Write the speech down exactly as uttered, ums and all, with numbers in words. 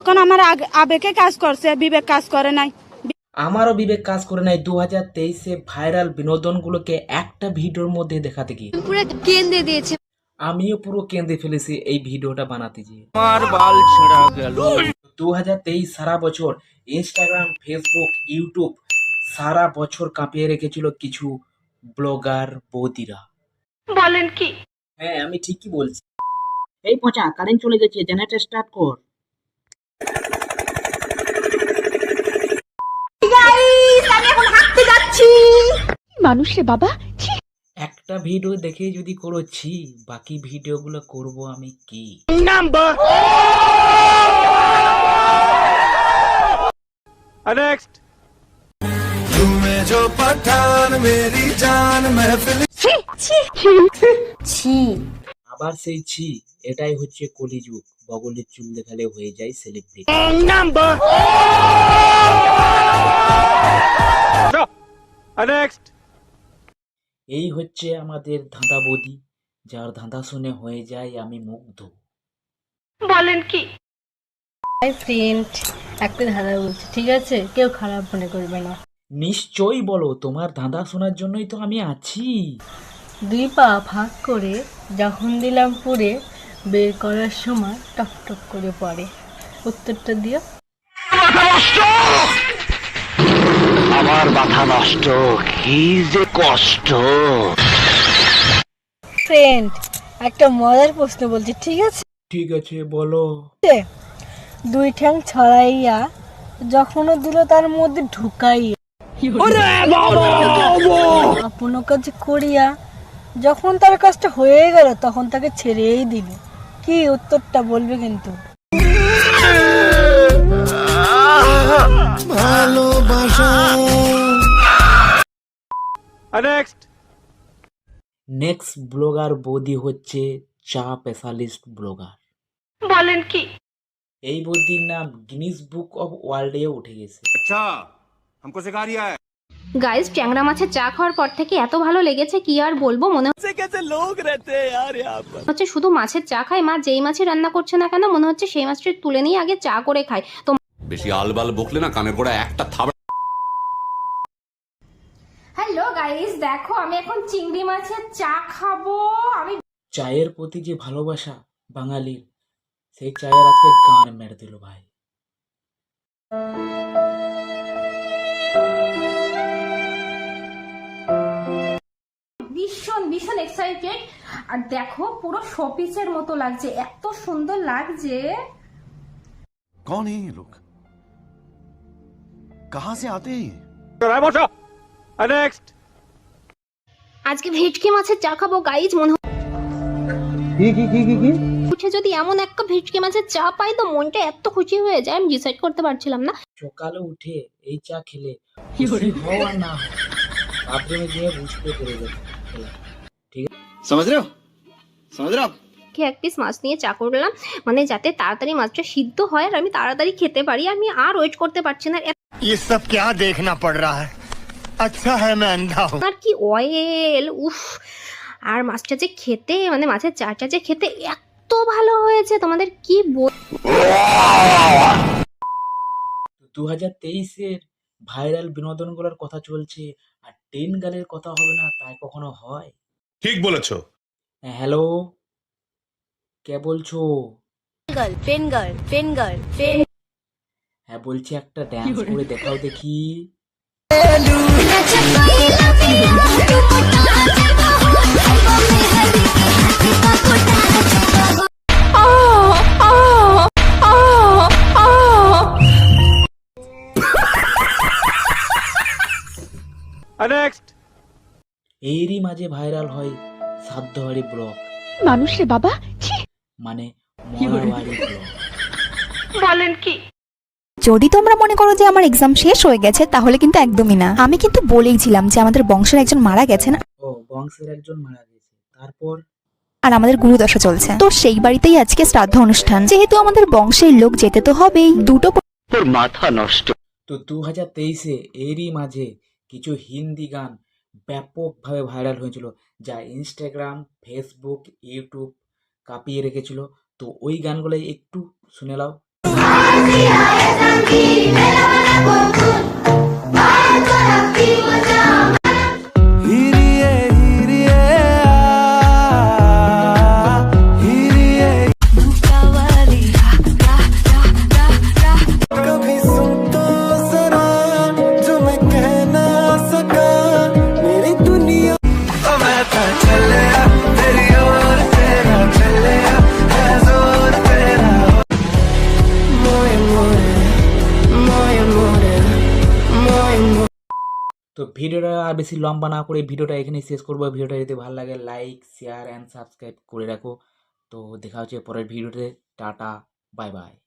এখন আমার আগ- আবেগে কাজ করছে, বিবেক কাজ করে নাই। আমারও বিবেক কাজ করে নাই দু হাজার তেইশে ভাইরাল বিনোদনগুলোকে একটা ভিডিওর মধ্যে দেখাতে গিয়ে পুরো কেন্দ্রে দিয়েছে। আমিও পুরো কেঁদে ফেলেছি এই ভিডিওটা বানাতে গিয়ে। আমার বাল ছেঁড়া গেল। দু হাজার তেইশ সারা বছর ইনস্টাগ্রাম, ফেসবুক, ইউটিউব সারা বছর কাঁপিয়ে রেখেছিল কিছু ব্লগার বৌদিরা। বলেন কি? হ্যাঁ, আমি ঠিকই বলছি। এই পচা, কারেন্ট চলে গেছে, জেনারেটর স্টার্ট কর। মানুষ রে বাবা। একটা ভিডিও দেখে যদি করেছি, বাকি ভিডিওগুলো করব আমি কি? নেক্সট। আবার সেই ছি, এটাই হচ্ছে কলিযুগ। বগলের চুল দেখালে হয়ে যায় সেলিব্রিটি। নেক্সট। এই হচ্ছে আমাদের ধাঁধা বদি, যার ধাঁধা শুনে হয়ে যায় আমি মুগ্ধ। বলেন কি? হাই ফ্রেন্ড, একটা ধাঁধা বলছি, ঠিক আছে? কেউ খারাপ মনে করবে না। নিশ্চয়ই বলো, তোমার ধাঁধা শোনার জন্যই তো আমি আছি। দুই পা ভাগ করে যখন দিলাম পুড়ে, বের করার সময় টক টক করে পড়ে। উত্তরটা দিও। আমার মাথা নষ্ট, কি যে কষ্ট। ফ্রেন্ড, একটা মজার প্রশ্ন বলছি, ঠিক আছে? ঠিক আছে, বলো। দুই ঠ্যাং ছড়াইয়া যখনও দিল তার মধ্যে ঢুকাইয়া, আপন কাজ করিয়া যখন তার কাজটা হয়ে গেল তখন তাকে ছেড়েই দিল। কি উত্তরটা বলবে কিন্তু। নেক্সট। নেক্সট ব্লগার বৌদি হচ্ছে চা স্পেশালিস্ট ব্লগার। বলেন কি? এই বৌদির নাম গিনিস বুক অফ ওয়ার্ল্ডে উঠে গেছে। আচ্ছা, हमको सिखा रिया है। গাইস, ট্যাংরা মাছের চা খাওয়ার পর থেকে এত ভালো লেগেছে কি আর বলবো। মনে कैसे लोग रहते हैं यार यहाँ पर। হচ্ছে শুধু মাছের চা খাই, মা যেই মাছই রান্না করছে না কেন মনে হচ্ছে সেই মাছটা তুলে নিয়ে আগে চা করে খাই। তো বেশি আলবাল বকলে না কানে পড়া একটা থাবা। হ্যালো গাইস, দেখো আমি এখন চিংড়ি মাছের চা খাবো। আমি চায়ের প্রতি যে ভালোবাসা বাঙালির, সেই চায়ের আজকে গান মেরে দিল ভাই। ভীষণ ভীষণ এক্সাইটেড। আর দেখো পুরো শোপিসের মতো লাগছে, এত সুন্দর লাগছে। कौन है ये लोग? कहां से आते हैं ये? বসো। নেক্সট। আজকে ভেটকি মাছের চা খাবো গাইজ। মনে উঠে যদি এমন একটা ভেটকি মাছের চা পাই তো মনটা এত খুশি হয়ে যায়, আমি ডিসাইড করতে পারছিলাম না। সকালে উঠে এই চা খেলে খুশি হও আর না হও, বাথরুমে গিয়ে বুঝতে পেরে যাবে। ঠিক আছে, समझ रहे हो? समझ रहे हो आप? কি এক পিস মাছ নিয়ে চা করলাম, মানে যাতে তাড়াতাড়ি মাছটা সিদ্ধ হয় আর আমি তাড়াতাড়ি খেতে পারি। আমি আর ওয়েট করতে পারছি না। ये सब क्या देखना पड़ रहा है? अच्छा है मैं अंधा हूँ। আর কি অয়েল, উফ। আর মাছটা যে খেতে, মানে মাছের চাটা যে খেতে এত ভালো হয়েছে, তোমাদের কি বল। দু হাজার তেইশের ভাইরাল বিনোদনগুলোর কথা চলছে, আর টেন গালের কথা হবে না তাই কখনো হয়? ঠিক বলেছো। হ্যাঁ, হ্যালো, কে বলছো? Girl pen girl pen girl pen হ্যাঁ বলছি, একটা ড্যান্স করে দেখাও দেখি। নেক্সট। এরই মাঝে ভাইরাল হয় সাধ্যহারি ব্লগ, মানুষ রে বাবা। মানে মরাবাড়ি ব্লগ। বলেন কি? যদি তোমরা মনে করো যে আমার এক্সাম শেষ হয়ে গেছে, তাহলে কিন্তু একদমই না। আমি কিন্তু বলেইছিলাম যে আমাদের বংশের একজন মারা গেছেন, ও বংশের একজন মারা গেছে, তারপর আর আমাদের গুরুদশা চলছে। তো সেই বাড়িতেই আজকে শ্রাদ্ধ অনুষ্ঠান। যেহেতু আমাদের বংশের লোক যেতে তো হবেই। দুটো তোর মাথা নষ্ট। তো দু হাজার তেইশে এরই মাঝে কিছু হিন্দি গান ব্যাপকভাবে ভাইরাল হয়েছিল, যা ইনস্টাগ্রাম, ফেসবুক, ইউটিউব কাঁপিয়ে রেখেছিল। তো ওই গানগুলোই একটু শুনে নাও। তো ভিডিওটা আর বেশি লম্বা না করে ভিডিওটা এখানে শেষ করবো। ভিডিওটা যদি ভালো লাগে লাইক শেয়ার অ্যান্ড সাবস্ক্রাইব করে রাখো। তো দেখা হচ্ছে পরের ভিডিওতে। Tata, bye by.